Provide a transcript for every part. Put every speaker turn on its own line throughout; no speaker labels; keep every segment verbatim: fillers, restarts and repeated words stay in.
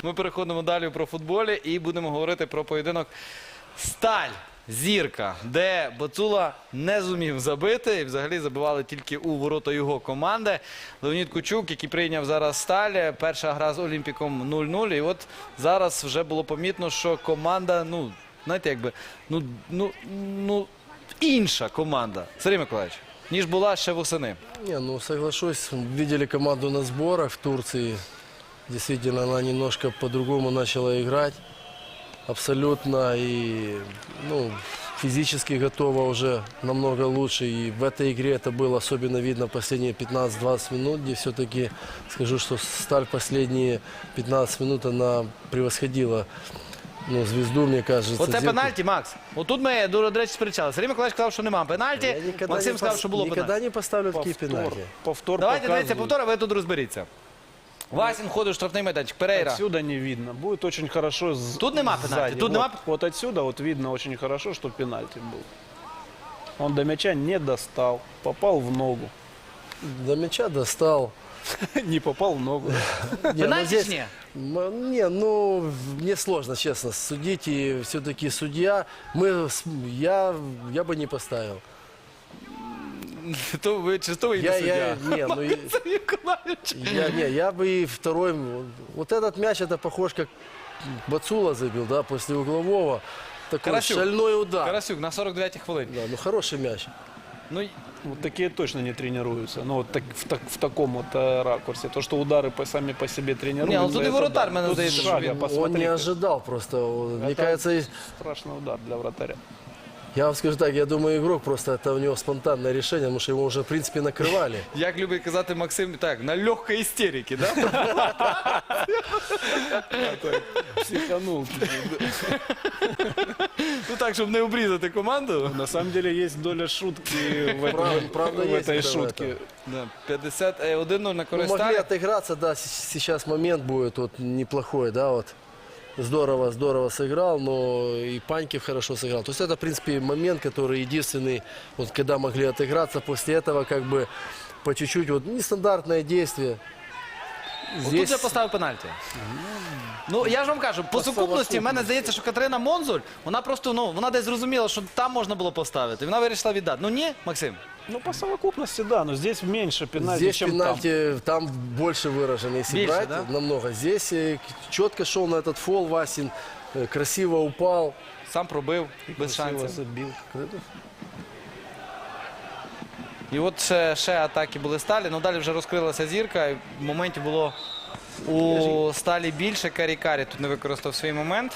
Ми переходимо далі про футболі і будемо говорити про поєдинок Сталь. Зірка, де Бацула не зумів забити і взагалі забивали тільки у ворота його команди. Леонід Кучук, який прийняв зараз Сталь, перша гра з Олімпіком нуль нуль. І от зараз вже було помітно, що команда, ну, знаєте, якби, ну, ну, ну, інша команда, Сергій Миколаївич, ніж була ще восени.
Не, ну соглашусь, видели команду на сборах в Турции. Действительно, она немножко по-другому начала играть. Абсолютно. И ну, физически готова уже намного лучше. И в этой игре это было особенно видно последние пятнадцать-двадцать минут, где все-таки, скажу, что Сталь последние пятнадцать минут она превосходила ну, звезду, мне кажется.
Оце
Зирку.
пенальті, Макс. Отут ми, до речі, сперечали. Сергій Миколаївич сказав, що нема пенальті.
Я никогда
Максим
не
сказав,
пос-
що було
Никогда
пенальті.
не поставлю такие
Повтор,
пенальти.
повтор
Давайте, дивіться,
показывает.
повтори, ви тут розберіться. Васін ходить в штрафний майданчик, Перейра.
Отсюда не видно. Будет очень хорошо с-
Тут нема пенальти,
сзади.
тут
вот,
нема-
вот отсюда вот видно очень хорошо, что пенальти был. Он до мяча не достал, попал в ногу.
До мяча достал.
Не попал в ногу.
Не, ну
Пенальті
здесь-
чи ні?
М, Не, ну, мне сложно, честно, судить. И все-таки судья, мы, с- я, я бы не поставил.
То ви чисто
Я,
суддя.
я, не, ну, и-
Сергій Миколаївич.
я, не, я бы и второй, вот этот мяч, это похож, как Бацула забил, да, после углового. Такой
Карасюк.
шальной удар.
Карасюк на сорок дев'ятій хвилині.
Да, ну, хороший мяч.
Ну,
Вот такие точно не тренируются. Ну, вот так, в, так- в таком вот э, ракурсе. То, что удары по, сами по себе тренируются.
Не, ну тут и
это
вратарь,
да.
мене
Тут
здається,
с
що
шага,
він-
Он
посмотри,
не
как
ожидал просто. Мне
Это-
кажется, и-
страшный удар для вратаря.
я вам скажу так, я думаю, игрок просто, это у него спонтанное решение, потому что его уже, в принципе, накрывали.
як любить казати Максим, так, на легкій істериці, да?
Психанул.
Ну так, щоб не обрізати команду.
На самом деле есть доля шутки в,
Правда-
этом-
правда
в
есть
этой
это в
шутке.
этом.
Да, п'ятдесят один нуль на
Ну,
користь
могли
Сталі.
отыграться, да, с- сейчас момент будет вот неплохой, да, вот. Здорово, здорово сыграл, но и Панькив хорошо сыграл. То есть это, в принципе, момент, который единственный, вот когда могли отыграться, после этого как бы по чуть-чуть, вот нестандартное действие.
Тут я поставив пенальті. Ну, я ж вам кажу, по сукупності, в мене здається, що Катерина Монзуль, вона просто, ну, вона десь зрозуміла, що там можна було поставити. І вона вирішила віддати. Ну ні, Максим?
Ну, по совокупности, да, но здесь меньше пенальти,
Здесь
чем
пенальти, там. больше выражено, если
Меньше,
брать,
да?
намного. Здесь э, четко шел на этот фол Васин, э, красиво упал.
Сам пробив,
там.
без
Красиво
шансів.
забил.
І от ще, ще атаки були Сталі, ну далі вже розкрилася зірка, і моментів було у Сталі більше. Карі-Карі тут не використав свій момент.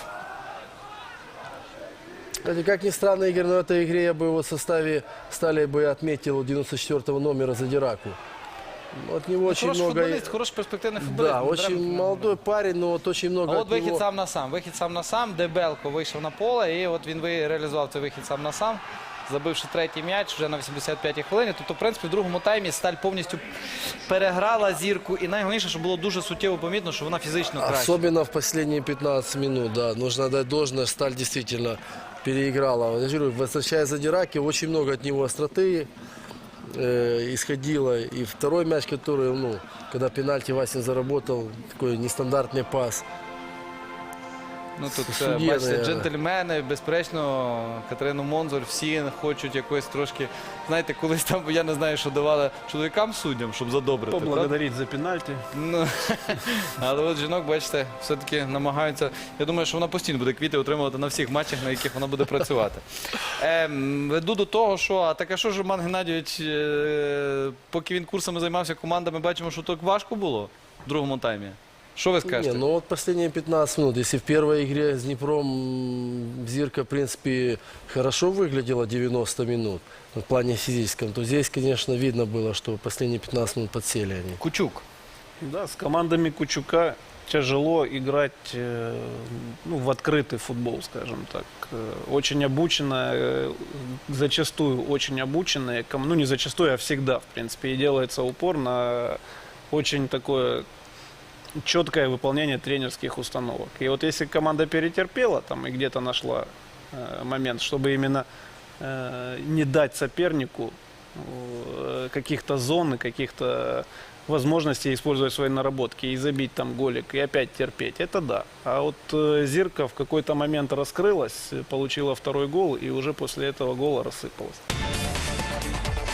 Кстати, как ни странно, Игорь, но в этой игре я бы его в составе Стали бы отметил девяносто четвёртого номера Задираку. От него очень
Хороший
много...
футболіст, хороший перспективний футболіст.
Да,
Не
очень
треба-
молодой парень, но вот очень много
А
от
от вихід
него...
сам на сам. Вихід сам на сам, де Белко вийшов на поле, і от він ви- реалізував цей вихід сам на сам, забивши третій м'яч вже на вісімдесят п'ятій хвилині. Тобто, в принципі, в другому таймі Сталь повністю переграла зірку. І найголовніше, що було дуже суттєво помітно, що вона фізично краще.
Особенно в последние пятнадцать минут, да. Нужно дать должное, Сталь действительно переиграла. Вот я же говорю, возвращая Задираки, очень много от него остроты э, исходило. И второй мяч, который, ну, когда пенальти Васин заработал, такой нестандартный пас.
Ну тут,
Судді,
е, бачите,
наверное.
джентльмени, безперечно, Катерину Монзуль, всі хочуть якось трошки, знаєте, колись там, я не знаю, що давали чоловікам суддям, щоб задобрити. правда?
Поблагодарить за пенальти.
Ну, але от жінок, бачите, все-таки намагаються. Я думаю, що вона постійно буде квіти отримувати на всіх матчах, на яких вона буде працювати. Ем, веду до того, що, а так а що ж Роман Геннадійович, е, поки він курсами займався командами, бачимо, що так важко було в другому таймі. Що ви скажете?
Не, ну вот последние пятнадцать минут. Если в первой игре с Днепром м, Зирка, в принципе, хорошо выглядела девяносто минут в плане физическом, то здесь, конечно, видно было, что последние пятнадцать минут подсели они.
Кучук.
Да, с командами Кучука тяжело играть э, ну, в открытый футбол, скажем так. Э, Очень обученная, э, зачастую очень обученная, ком- ну не зачастую, а всегда, в принципе, и делается упор на очень такое четкое выполнение тренерских установок. И вот если команда перетерпела там и где-то нашла э, момент, чтобы именно э, не дать сопернику э, каких-то зон и каких-то возможности использовать свои наработки и забить там голик, и опять терпеть. Это да. А вот э, Зирка в какой-то момент раскрылась, получила второй гол, и уже после этого гола рассыпалась.